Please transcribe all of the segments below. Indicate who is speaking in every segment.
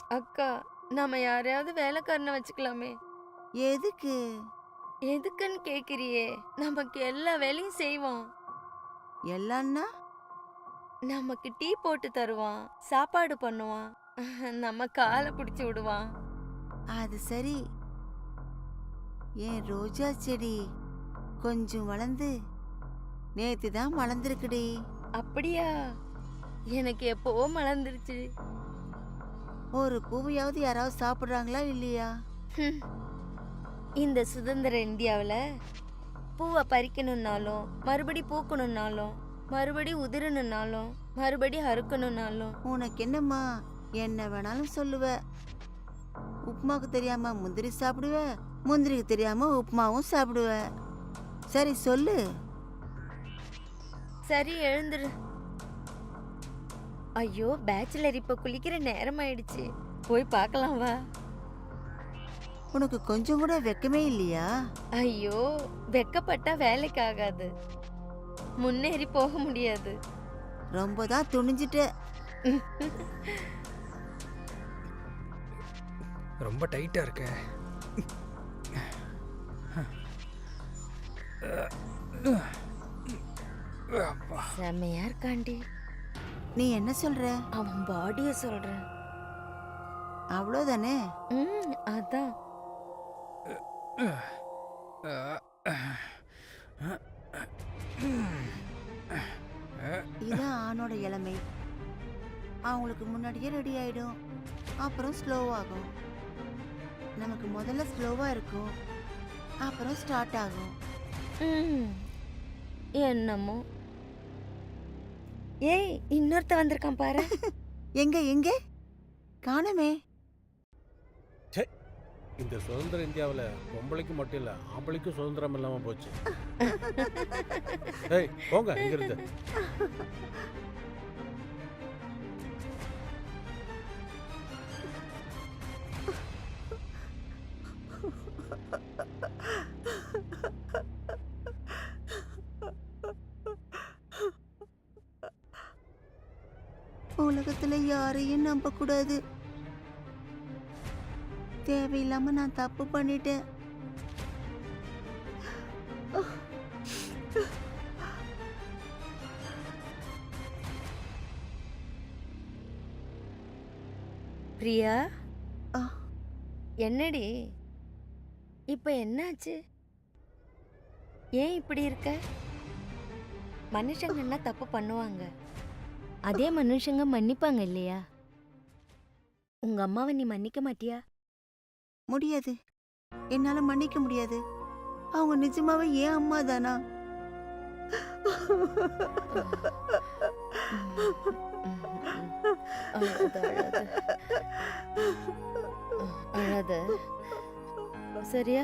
Speaker 1: அக்கா, நாம யாரையாவது வேலைக்காரனை வச்சுக்கலாமே.
Speaker 2: எதுக்கு?
Speaker 1: எதுக்குன்னு கேக்குறியே? நமக்கு எல்லா வேலையும் செய்வான்.
Speaker 2: எல்லான்னா?
Speaker 1: நமக்கு டீ போட்டு தருவான், சாப்பாடு பண்ணுவான், நம்ம காலை பிடிச்சு விடுவான்.
Speaker 2: அது சரி. என் ரோஜா செடி கொஞ்சம் வளர்ந்து நேத்து தான் மலர்ந்திருக்குடி.
Speaker 1: அப்படியா? எனக்கு எப்பவோ மலர்ந்துருச்சு.
Speaker 2: ஒரு பூவையாவது யாராவது சாப்பிடுறாங்களா இல்லையா?
Speaker 1: ஹம். இந்த சுதந்திர இந்தியாவுல பூவை பறிக்கணும்னாலும், மறுபடி பூக்கணும்னாலும், மறுபடி உதிரணும்னாலும், மறுபடி அறுக்கணும்னாலும்
Speaker 2: உனக்கு என்னம்மா, என்ன வேணாலும் சொல்லுவ. உப்புமாக்கு தெரியாம முந்திரி சாப்பிடுவ, முந்திரிக்கு தெரியாம உப்புமாவும் சாப்பிடுவ. சரி சொல்லு.
Speaker 1: சரி, எழுந்துரு. ஐயோ, பேச்சுலர் இப்ப குளிக்கிற நேரம் ஆயிடுச்சு. போய் பார்க்கலாம் வா.
Speaker 2: உனக்கு கொஞ்சம் கூட வெக்கமே இல்லையா?
Speaker 1: ஐயோ, வெக்கப்பட்டா வேலைக்கு ஆகாது, முன்னேறி போக முடியாது.
Speaker 2: ரொம்ப தான் துணிஞ்சிட்ட.
Speaker 3: ரொம்ப டைட்டா இருக்க.
Speaker 1: செம்மையா இருக்காண்டி.
Speaker 2: நீ என்ன சொல்ற?
Speaker 1: அவன் பாடிய சொல்றேன்.
Speaker 2: அவ்வளோதானே?
Speaker 1: அதான்.
Speaker 2: இதான் ஆணோட இளமை. அவங்களுக்கு முன்னாடியே ரெடி ஆயிடும், அப்புறம் ஸ்லோவாகும். நமக்கு முதல்ல ஸ்லோவா இருக்கும், அப்புறம் ஸ்டார்ட் ஆகும்.
Speaker 1: என்னமோ. ஏய், இன்னொருத்த வந்திருக்கான் பாரு.
Speaker 2: எங்க எங்க காணுமே?
Speaker 4: இந்த சுதந்திர இந்தியாவில் பொம்பளைக்கு மட்டும் இல்லை, ஆம்பளைக்கும் சுதந்திரம் இல்லாமல் போச்சு. ஏய் போங்க இங்கிருந்து.
Speaker 2: உலகத்துல யாரையும் நம்ப கூடாது. தேவையில்லாம நான் தப்பு பண்ணிட்டேன்.
Speaker 1: பிரியா,
Speaker 2: ஆ,
Speaker 1: என்னடி இப்ப என்னாச்சு? ஏன் இப்படி இருக்க? மனுஷங்கன்னா தப்பு பண்ணுவாங்க, அதே மனுஷங்க மன்னிப்பாங்க இல்லையா? உங்க அம்மாவை நீ மன்னிக்க மாட்டியா?
Speaker 2: முடியாது. என்னால மன்னிக்க முடியாது. அவங்க நிஜமாவே ஏன் அம்மா தானா?
Speaker 1: அழாத, சரியா?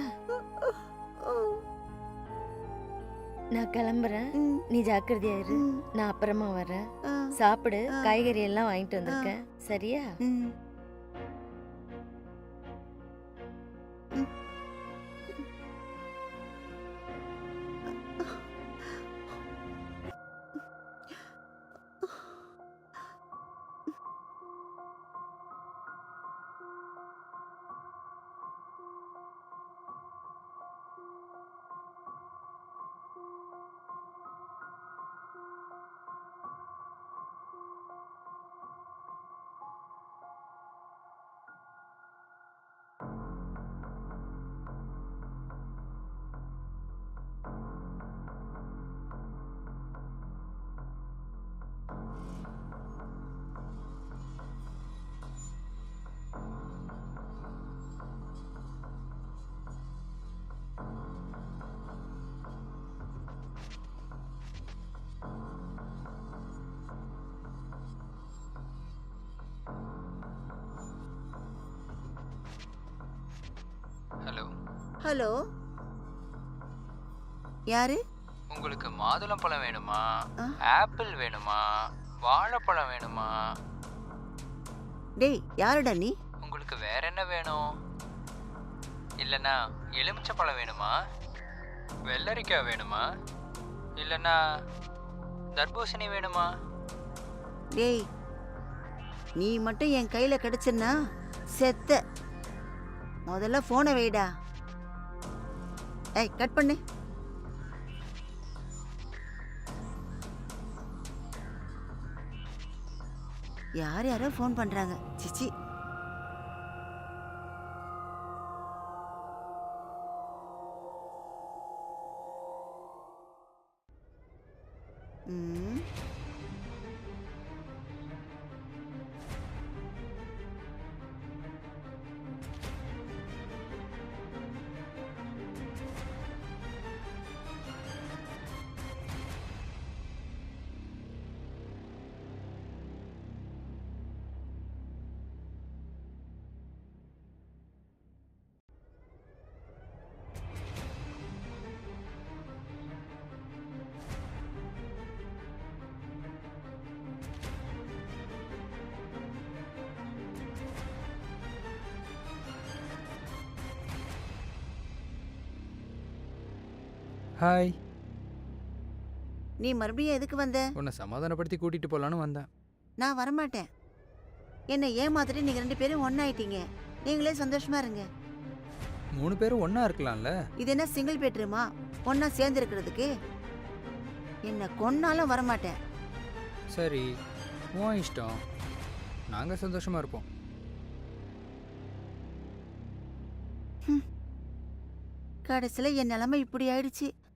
Speaker 1: நான் கிளம்புறேன், நீ ஜாக்கிரதையா இரு. நான் அப்புறமா வரேன். சாப்பிடு, காய்கறி எல்லாம் வாங்கிட்டு வந்திருக்கேன், சரியா?
Speaker 5: ஹலோ.
Speaker 2: ஹலோ, யாரு?
Speaker 5: உங்களுக்கு மாதுளம்பழம் வேணுமா,
Speaker 2: ஆ?
Speaker 5: ஆப்பிள் வேணுமா, வாழைப்பழம் வேணுமா?
Speaker 2: டேய், யாருடா நீ?
Speaker 5: உங்களுக்கு வேற என்ன வேணும்? இல்லைன்னா எலுமிச்சப்பழம் வேணுமா, வெள்ளரிக்காய் வேணுமா, இல்லைன்னா தர்பூசணி வேணுமா?
Speaker 2: டேய், நீ மட்டும் என் கையில கிடைச்சனா செத்த. முதல்ல போனை வைடா. ஏய், கட் பண்ணு. யார் யாரோ ஃபோன் பண்றாங்க. சிச்சி. ம்.
Speaker 3: ஹாய்.
Speaker 2: நீ மறுபடியும் எதுக்கு வந்த?
Speaker 3: உன்னை சமாதானப்படுத்தி கூட்டிட்டு போலான்னு வந்தேன்.
Speaker 2: நான் வரமாட்டேன். என்னை ஏமாத்திட்டு நீங்க 2 பேரும் ஒன்னாயிட்டீங்க. நீங்களே சந்தோஷமா இருங்க.
Speaker 3: 3 பேரும் ஒண்ணா இருக்கலாம்ல.
Speaker 2: இது என்ன சிங்கிள் பெட்ரூமா ஒன்னா சேர்ந்து இருக்கிறதுக்கு? என்ன கொன்னாலும் வரமாட்டேன்.
Speaker 3: சரி, உன் இஷ்டம். நாங்க சந்தோஷமா இருப்போம்.
Speaker 2: கடைசியில என் நிலைமை இப்படி ஆயிடுச்சு.